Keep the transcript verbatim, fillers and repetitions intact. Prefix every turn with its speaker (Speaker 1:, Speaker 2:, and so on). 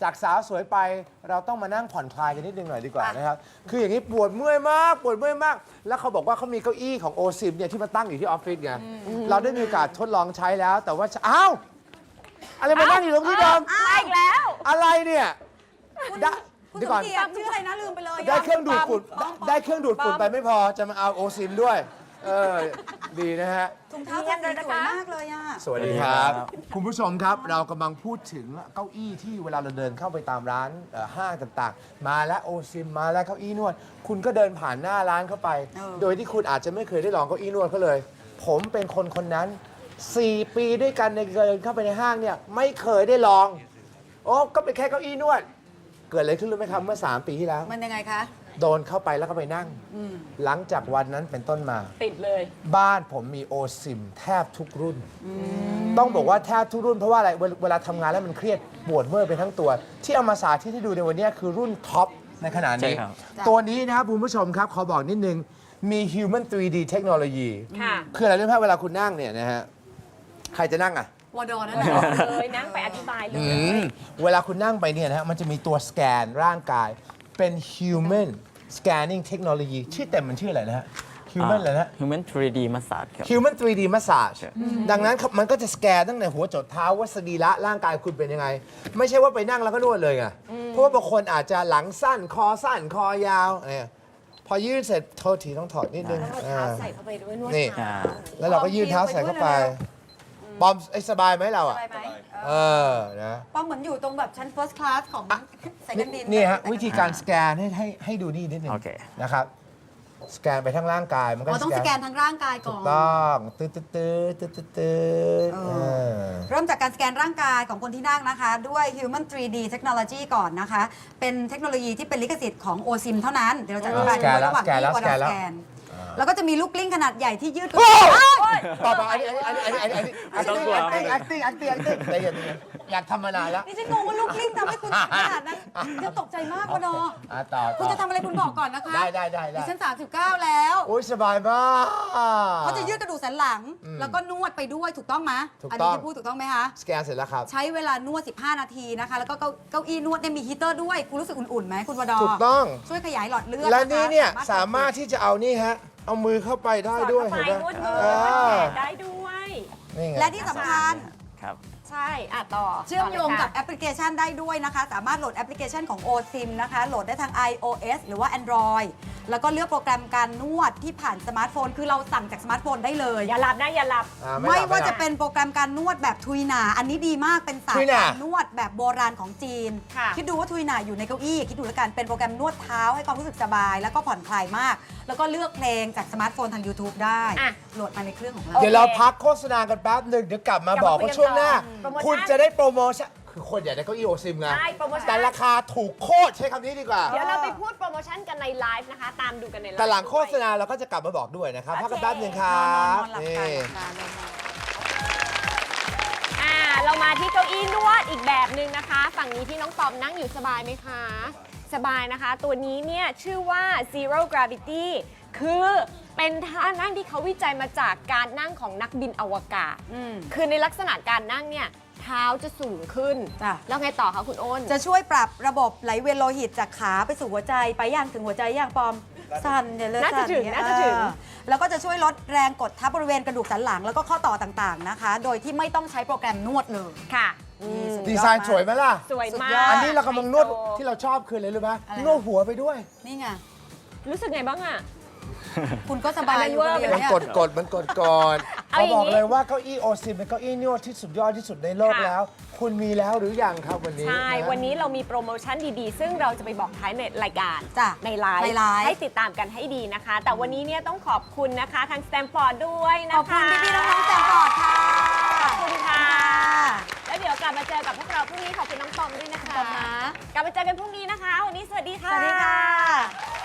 Speaker 1: จากสาวสวยไปเราต้องมานั่งผ่อนคลายกันนิดนึงหน่อยดีกว่านะครับคืออย่างนี้ปวดเมื่อยมากปวดเมื่อยมากแล้วเขาบอกว่าเขามีเก้าอี้ของโอซิมเนี่ยที่มาตั้งอยู่ที่ออฟฟิศไงเราได้มีโอกาสทดลองใช้แล้วแต่ว่าอ้าวอะไรมานั่งอยู่ตรงที่เดิม
Speaker 2: มาอีกแล้ว
Speaker 1: อะไรเนี่ยได้
Speaker 3: คุณ
Speaker 1: เดี๋ยว
Speaker 3: ส
Speaker 1: ก่
Speaker 3: ม
Speaker 1: อน
Speaker 3: เกียรติชื่ออะไรนะลืมไปเลย
Speaker 1: ได้เครื่องดูดฝุ่นได้ได้เครื่องดูดฝุ่นไปไม่พอจะมาเอาโอซิมด้วยเออดีนะฮะ
Speaker 3: ถุงเท้าเธอสีสวยมากเลยอ่ะ
Speaker 1: สวัสดีครับ คุณผู้ชมครับเรากำลังพูดถึงเก้าอี้ที่เวลาเราเดินเข้าไปตามร้านเอ่อห้างต่างๆ มาแล้วโอซิมมาแล้วเก้าอี้นวด คุณก็เดินผ่านหน้าร้านเข้าไป
Speaker 3: เออ
Speaker 1: โดยที่คุณอาจจะไม่เคยได้ลองเก้าอี้นวดเขาเลย ผมเป็นคนคนนั้น สี่ ปีด้วยกันในเดินเข้าไปในห้างเนี่ยไม่เคยได้ลองโอ้ก็เป็นแค่เก้าอี้นวด เกิดอะไรขึ้นรู้ไหมครับเมื่อสามปีที่แล้ว
Speaker 3: มันยังไงคะ
Speaker 1: โดนเข้าไปแล้วก็ไปนั่ง
Speaker 3: อืม
Speaker 1: หลังจากวันนั้นเป็นต้นมา
Speaker 2: ติดเลย
Speaker 1: บ้านผมมีโอซิมแทบทุกรุ่น ต้องบอกว่าแทบทุกรุ่นเพราะว่าอะไรเวลเวลาทำงานแล้วมันเครียดปวดเมื่อยไปทั้งตัว ที่เอามาสาธิตให้ดูในวันนี้คือรุ่นท็อปในขณะนี้
Speaker 4: ใช่ครับ
Speaker 1: ตัวนี้นะครับคุณผู้ชมครับ ขอบอกนิดนึง มี Human ทรี ดี เทคโนโลยี
Speaker 2: ค่ะ
Speaker 1: คืออะไรรู้ไหมเวลาคุณนั่งเนี่ยนะฮะ ใครจะนั่งอ่ะ
Speaker 3: วอดอนั่นแหละ
Speaker 2: เลยนั่งไปอธิบายเลย
Speaker 1: อืมเวลาคุณนั่งไปเนี่ยนะฮะมันจะมีตัวสแกนร่างกายเป็น Human Scanning Technology ชื่อเต็มมันชื่ออะไรนะฮะ Human อะไรนะ
Speaker 4: Human ทรี ดี Massage ครับ
Speaker 1: Human ทรี ดี Massage ดังนั้นครับมันก็จะสแกนตั้งแต่หัวจดเท้าว่าสรีระร่างกายคุณเป็นยังไง ไม่ใช่ว่าไปนั่งแล้วก็นวดเลยไงเพราะว่าบางคนอาจจะหลังสั้นคอสั้นคอยาวเนี่ยพอยืดเสร็จโทษทีต้องถอดนิดนึง
Speaker 2: เท้าใส่เข้าไปด้วยนวด
Speaker 1: นี่
Speaker 2: เท้า
Speaker 1: แล้วเราก็ยืดเท้าใส่เข้าไปปอมไอ้สบายไหมเราอ่ะ
Speaker 3: สบายไหม
Speaker 1: เออนะ
Speaker 3: ป้อมเหมือนอยู่ตรงแบบชั้น first class ของสายการบิน
Speaker 1: นี่ฮะวิธีการสแกนให้ให้ให้ดูนี่นิดนึง
Speaker 4: โอเค
Speaker 1: นะครับสแกนไปทั้งร่างกายมันก็
Speaker 3: อ๋อต้องสแกนทั้งร่างกายก่
Speaker 1: ถู
Speaker 3: อก น
Speaker 1: ต้องตืดตืดตืดตืดตืดตืด
Speaker 3: เออ
Speaker 1: เออ
Speaker 3: เริ่มจากการสแกนร่างกายของคนที่นั่งนะคะ ด้วย Human ทรี ดี Technology ก่อนนะคะ เป็นเทคโนโลยีที่เป็นลิขสิทธิ์ของ โอซิม เท่านั้น เดี๋ยวเราจะอธิบาย
Speaker 1: สแกนแล้ว
Speaker 3: ระหว่าง
Speaker 1: สแกนแล้ว
Speaker 3: ที่
Speaker 1: สแกนแล้ว
Speaker 3: สแกน แล้วก็จะมีลูกกลิ้งขนาดใหญ่ที่ยืดตัว
Speaker 1: ต่อไปอันนี้อันนี้อันนี้อันนี้อันนี้อันนี้
Speaker 4: ต้องกลัว
Speaker 1: acting acting acting acting ใจเย็นๆอยากทำมานานแล้ว
Speaker 3: นี่ฉันงงว่าลูกกลิ้งทำให้คุณขนาดนั้นฉันตกใจมากวะเนาะ
Speaker 1: อ่ะต่อ
Speaker 3: คุณจะทำอะไรคุณบอกก่อนนะคะ
Speaker 1: ได้ได้ได้
Speaker 3: ดิ
Speaker 1: ได้
Speaker 3: ฉันสามสิบเก้าแล้ว
Speaker 1: โอ้ยสบายมาก
Speaker 3: เขาจะยืดกระดูกสันหลัง
Speaker 1: อืม
Speaker 3: แล้วก็นวดไปด้วยถูกต้องไหม
Speaker 1: ถูก
Speaker 3: อัน
Speaker 1: ต้
Speaker 3: นี้
Speaker 1: อง
Speaker 3: ที่พูดถูกต้องไหมคะ
Speaker 1: สแกนเสร็จแล้วครับ
Speaker 3: ใช้เวลานวด สิบห้า นาทีนะคะ แล้วก็เก้าเก้าอี้นวดเนี่ยมีฮีเตอร์ด้วย คุณรู้สึกอุ่นๆไหมคุณวดอ
Speaker 1: ถูกต้อง
Speaker 3: ช่วยขยายหลอดเลือด
Speaker 1: และ
Speaker 3: ค
Speaker 1: นี่เนี่ย
Speaker 3: ถ
Speaker 1: สามารถที่จะเอานี่ฮะ เอามือเข้าไปได้
Speaker 2: สอด
Speaker 1: ด้วย
Speaker 2: เข้าไป
Speaker 1: เห็น
Speaker 2: นวด
Speaker 1: ไหม
Speaker 2: มือ
Speaker 1: เอน
Speaker 2: วด
Speaker 1: อ
Speaker 2: แขนได้ด้วย
Speaker 1: นี่ไง
Speaker 3: และที่สำคัญ
Speaker 4: ครับ
Speaker 2: ใช่อ่ะต่อ
Speaker 3: เชื่อมโยงกับ
Speaker 2: ต่
Speaker 3: แอปพลิเคชันได้ด้วยนะคะ สามารถโหลดแอปพลิเคชันของ โอซิม นะคะ โหลดได้ทาง iOS หรือว่า Android แล้วก็เลือกโปรแกรมการนวดที่ผ่านสมาร์ทโฟน คือเราสั่งจากสมาร์ทโฟนได้เลย
Speaker 2: อย่าหลับนะอย่าหลับ
Speaker 1: อ่
Speaker 3: ไม่
Speaker 1: หลับ
Speaker 3: ว่า
Speaker 1: หลั
Speaker 3: จะ
Speaker 1: บ
Speaker 3: เป็นโปรแกรมการนวดแบบทุยหนา อันนี้ดีมาก เป็นศาสต
Speaker 1: ทุย
Speaker 3: ร์
Speaker 1: หน่า
Speaker 3: การนวดแบบโบราณของจีน
Speaker 2: ค่ะ
Speaker 3: คิดดูว่าทุยหนาอยู่ในเก้าอี้ คิดดูแล้วกัน เป็นโปรแกรมนวดเท้าให้ความรู้สึกสบาย แล้วก็ผ่อนคลายมาก แล้วก็เลือกเพลงจากสมาร์ทโฟนทาง YouTube ได้
Speaker 2: อ่ะ
Speaker 3: โหลดมาในเครื่องของเรา
Speaker 1: เดี๋ยวเราพักโฆษณากันแป๊บหนึ่งเดี๋ยวกลับมาก
Speaker 2: ลับ
Speaker 1: บ
Speaker 2: มา
Speaker 1: อก
Speaker 2: คุย
Speaker 1: ว่า
Speaker 2: กัน
Speaker 1: ช่วงหน้า
Speaker 2: ต่อโปรโมชั่น
Speaker 1: คุณจะได้โปรโมชั่นคือคนอยากได้เก้าอี้โอซิมไง
Speaker 2: ใช่โปรโมชั่น
Speaker 1: แต่ราคาถูกโคตรใช้คำนี้ดีกว่า
Speaker 2: เดี๋ยวเราไปพูดโปรโมชั่นกันในไลฟ์นะคะ ตามดูกันในไลฟ์
Speaker 1: แต่หลังโฆษ
Speaker 2: ด้วย
Speaker 1: ณาเราก็จะกลับมาบอกด้วยนะครับ
Speaker 2: โอเค
Speaker 1: พักกันแป๊บหนึ่งครั
Speaker 3: นอน
Speaker 1: บ
Speaker 3: นอนหลับ
Speaker 1: นี่
Speaker 3: กันหลับกันนอน
Speaker 2: อ่าเรามาที่เก้าอี้นวดอีกแบบหนึ่งนะคะ ฝั่งนี้ที่น้องปอมนั่งอยู่สบายไหมคะ สบายนะคะ ตัวนี้เนี่ยชื่อว่า Zero Gravity คือเป็นท่านั่งที่เขาวิจัยมาจากการนั่งของนักบินอวกาศ
Speaker 3: อืม
Speaker 2: คือในลักษณะการนั่งเนี่ยเท้าจะสูงขึ้น
Speaker 3: จ้ะ
Speaker 2: แล้วไงต่อคะคุณอ้น
Speaker 3: จะช่วยปรับระบบไหลเวียนโลหิตจากขาไปสู่หัวใจไปย่างถึงหัวใจย่างปอมสั่นเดี๋ยวเลย
Speaker 2: น่าจะ
Speaker 3: สั่
Speaker 2: ถึง
Speaker 3: เย
Speaker 2: น่าจะถึง
Speaker 3: เออแล้วก็จะช่วยลดแรงกดทับบริเวณกระดูกสันหลัง แล้วก็ข้อต่อต่างๆนะคะ โดยที่ไม่ต้องใช้โปรแกรมนวดเลย
Speaker 2: ค่ะ
Speaker 3: นี่สุ
Speaker 1: ดีไซน์สวยไหมล่ะ
Speaker 2: สวย
Speaker 3: สุด
Speaker 2: มาย
Speaker 3: อด
Speaker 2: ก
Speaker 1: อันนี้เรากำลังนวด
Speaker 2: ไฮโซ
Speaker 1: ที่เราชอบคืออะไรรู้ไหม
Speaker 3: อะไร
Speaker 1: นวดหัวไปด้วย
Speaker 3: นี่ไง
Speaker 2: รู้สึกไงบ้างอะ
Speaker 3: คุณก็สบายอยู่คนเดียว
Speaker 1: มัน
Speaker 3: เนี่ย
Speaker 1: กดกดมันกดก่อน
Speaker 2: เอา
Speaker 1: เขา
Speaker 2: อย่างนี้
Speaker 1: บอกเลยว่าเก้าอี้โอซิมเป็นเก้าอี้นวดที่สุดยอดที่สุดในโลก
Speaker 2: ค่ะ
Speaker 1: แล้ว คุณมีแล้วหรือยังครับวันนี้
Speaker 2: ใช่
Speaker 1: ะ
Speaker 2: วันนี้เรามีโปรโมชั่นดีๆ ซึ่งเราจะไปบอกท้ายในรายการ
Speaker 3: จ้ะ
Speaker 2: ในไลฟ์
Speaker 3: ในไลฟ์
Speaker 2: ให้ติดตามกันให้ดีนะคะ แต่วันนี้เนี่ยต้องขอบคุณนะคะทางสแตมฟอร์ดด้วยนะคะ
Speaker 3: ขอบคุณพี่ๆน้องๆแจกกอดค่ะ
Speaker 2: ขอบคุณค่ะ แล้วเดี๋ยวกลับมาเจอกับพวกเราพรุ่งนี้ขอบคุณน้องปอมด้วยนะคะ
Speaker 3: ขอบคุณนะ
Speaker 2: กลับมาเจอกันพรุ่งนี้นะคะ วันนี้สวัสดีค่ะ
Speaker 3: สวัสดีค่ะ